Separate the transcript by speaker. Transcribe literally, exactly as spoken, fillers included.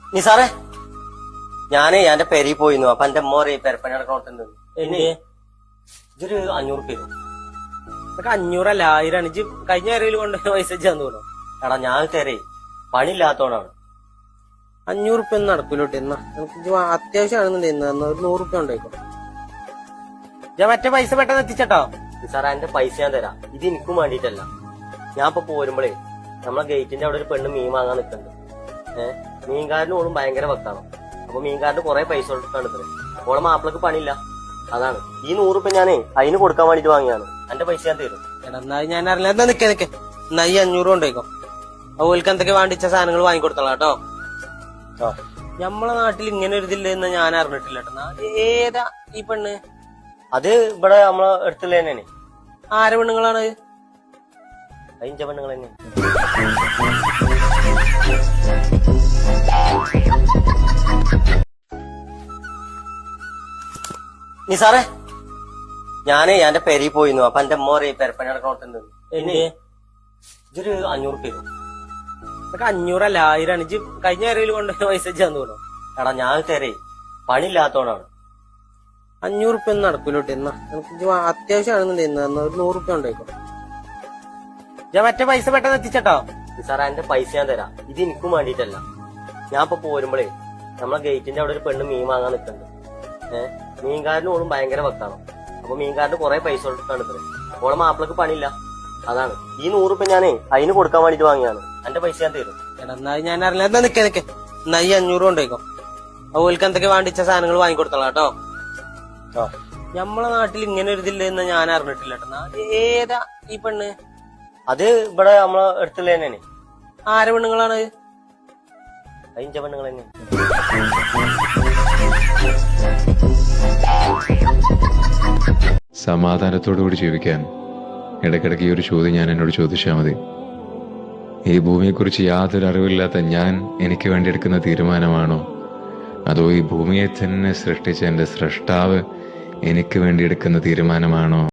Speaker 1: നിസാറേ, ഞാനേ എന്റെ പെരി പോയിരുന്നു. അപ്പൊ എന്റെ അമ്മ പറയും പെരപ്പണി നടക്കണോട്ടുണ്ട് എന്നെ ഇതൊരു അഞ്ഞൂറ് പേര്.
Speaker 2: ഇതൊക്കെ അഞ്ഞൂറല്ല ആയിരം ഇജ്ജ് കഴിഞ്ഞ കരയിൽ കൊണ്ട് പൈസ ചെയ്യാന്ന് തോന്നുന്നു.
Speaker 1: എടാ ഞാൻ തരേ പണിയില്ലാത്തോണ്ടാണ്.
Speaker 2: അഞ്ഞൂറ് റുപ്യ ഒന്നും നടക്കൂലോട്ട് എന്നാ എനിക്ക് അത്യാവശ്യമാണെന്നുണ്ടെന്ന് ഒരു നൂറ് റുപ്യ ഉണ്ടായിക്കോ. ഞാൻ മറ്റേ പൈസ പെട്ടെന്ന് എത്തിച്ചട്ടോ.
Speaker 1: നിസാറേ, എന്റെ പൈസ ഞാൻ തരാം. ഇത് എനിക്കും വേണ്ടിട്ടല്ല. ഞാൻ ഇപ്പൊ പോരുമ്പോഴേ നമ്മളെ ഗേറ്റിന്റെ അവിടെ ഒരു പെണ്ണ് മീൻ വാങ്ങാൻ നിൽക്കുന്നുണ്ട്. ഏഹ് മീൻകാരനും ഓളും ഭയങ്കര വക്കാണ്. അപ്പൊ മീൻകാരന് കുറെ പൈസ കൊടുക്കാണ് ഇത്രേ. ഓളെ മാപ്പിളക്ക് പണിയില്ല. അതാണ് ഈ നൂറുപ്യ ഞാനേ അതിന് കൊടുക്കാൻ വേണ്ടിട്ട് വാങ്ങിയാണ്. എന്റെ പൈസ ഞാൻ തരും.
Speaker 2: എടാ എന്നാ ഞാൻ അറിയില്ല. എന്താ നിക്കേ നിക്കേ എന്നാ ഈ അഞ്ഞൂറ് കൊണ്ടേക്കോ. അതുപോലെ എന്തൊക്കെ വേണ്ടിച്ച സാധനങ്ങൾ വാങ്ങിക്കൊടുത്തോളാം കേട്ടോ. നമ്മളെ നാട്ടിൽ ഇങ്ങനെ ഒരു ഇതില്ലെന്ന് ഞാൻ അറിഞ്ഞിട്ടില്ല കേട്ടോ. ഏതാ ഈ പെണ്ണ്?
Speaker 1: അത് ഇവിടെ നമ്മളെ അടുത്തുള്ള തന്നെയാണ്.
Speaker 2: ആരെ പെണ്ണുങ്ങളാണ്?
Speaker 1: അതിന്റെ പെണ്ണുങ്ങൾ തന്നെ. നിസാറേ, ഞാനേ എന്റെ പെരി പോയിരുന്നു. അപ്പൊ എന്റെ അമ്മ പറയും പെരപ്പണി നടക്കണോട്ടുണ്ട് എന്നെ ഇതൊരു അഞ്ഞൂറ് പേര്.
Speaker 2: ഇതൊക്കെ അഞ്ഞൂറല്ല ആയിരം ഇജ്ജ് കഴിഞ്ഞ കരയിൽ കൊണ്ട് പൈസ ചെയ്യാന്ന് തോന്നുന്നു.
Speaker 1: എടാ ഞാൻ തരേ പണിയില്ലാത്തോണ്ടാണ്.
Speaker 2: അഞ്ഞൂറ് റുപ്യ ഒന്നും നടക്കൂലോട്ട് എന്നാ എനിക്ക് അത്യാവശ്യമാണെന്നുണ്ടെന്ന് ഒരു നൂറ് റുപ്യ ഉണ്ടായിക്കോ. ഞാൻ മറ്റേ പൈസ പെട്ടെന്ന് എത്തിച്ചട്ടോ.
Speaker 1: നിസാറേ, എന്റെ പൈസ ഞാൻ തരാം. ഇത് എനിക്കും വേണ്ടിട്ടല്ല. ഞാൻ ഇപ്പൊ പോരുമ്പോഴേ നമ്മളെ ഗേറ്റിന്റെ അവിടെ ഒരു പെണ്ണ് മീൻ വാങ്ങാൻ നിൽക്കുന്നുണ്ട്. ഏഹ് മീൻകാരനും ഓളും ഭയങ്കര വക്കാണ്. അപ്പൊ മീൻകാരന് കുറെ പൈസ കൊടുക്കാണ് ഇത്രേ. ഓളെ മാപ്പിളക്ക് പണിയില്ല. അതാണ് ഈ നൂറുപ്യ ഞാനേ അതിന് കൊടുക്കാൻ വേണ്ടിട്ട് വാങ്ങിയാണ്. എന്റെ പൈസ ഞാൻ തരും.
Speaker 2: എടാ എന്നാ ഞാൻ അറിയില്ല. എന്താ നിക്കേ നിക്കേ എന്നാ ഈ അഞ്ഞൂറ് കൊണ്ടേക്കോ. അതുപോലെ എന്തൊക്കെ വേണ്ടിച്ച സാധനങ്ങൾ വാങ്ങിക്കൊടുത്തോളാം കേട്ടോ. നമ്മളെ നാട്ടിൽ ഇങ്ങനെ ഒരു ഇതില്ലെന്ന് ഞാൻ അറിഞ്ഞിട്ടില്ല കേട്ടോ. ഏതാ ഈ പെണ്ണ്?
Speaker 1: അത് ഇവിടെ നമ്മളെ അടുത്തുള്ള തന്നെയാണ്.
Speaker 2: ആരെ പെണ്ണുങ്ങളാണ്?
Speaker 1: അതിന്റെ പെണ്ണുങ്ങൾ തന്നെ.
Speaker 3: സമാധാനത്തോടുകൂടി ജീവിക്കാൻ ഇടയ്ക്കിടയ്ക്ക് ഈ ഒരു ചോദ്യം ഞാൻ എന്നോട് ചോദിച്ചാൽ മതി. ഈ ഭൂമിയെക്കുറിച്ച് യാതൊരു അറിവില്ലാത്ത ഞാൻ എനിക്ക് വേണ്ടി എടുക്കുന്ന തീരുമാനമാണോ, അതോ ഈ ഭൂമിയെ തന്നെ സൃഷ്ടിച്ച എൻ്റെ സ്രഷ്ടാവ് എനിക്ക് വേണ്ടി എടുക്കുന്ന തീരുമാനമാണോ?